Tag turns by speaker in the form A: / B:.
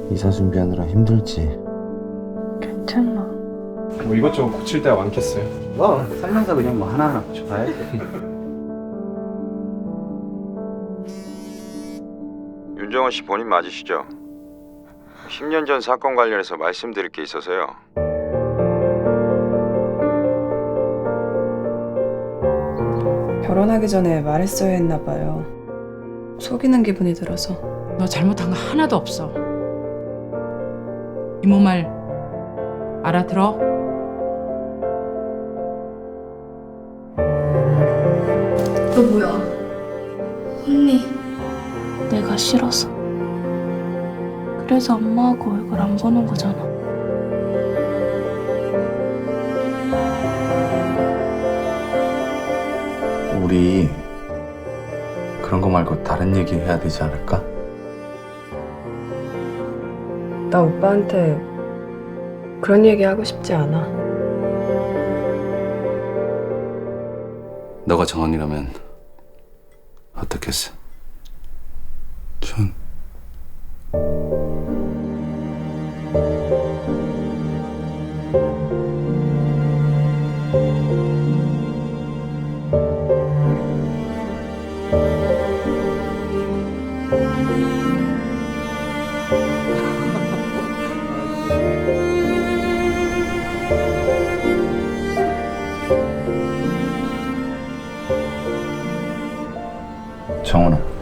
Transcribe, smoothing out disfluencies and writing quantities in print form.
A: 이사 준비하느라 힘들지.
B: 괜찮아.
C: 뭐 이것저것 고칠 데가 많겠어요.
D: 살면서 그냥 뭐 하나하나 고쳐봐야지.
E: 윤정원 씨 본인 맞으시죠? 10년 전 사건 관련해서 말씀드릴 게 있어서요.
F: 결혼하기 전에 말했어야 했나 봐요. 속이는 기분이 들어서.
B: 너 잘못한 거 하나도 없어. 이모 말 알아들어?
G: 너 뭐야? 언니. 내가 싫어서. 그래서 엄마하고 얼굴 안 보는 거잖아.
A: 우리 그런 거 말고 다른 얘기 해야 되지 않을까?
F: 나 오빠한테 그런 얘기 하고 싶지 않아.
A: 너가 정원이라면 어떻겠어? 전 정원아.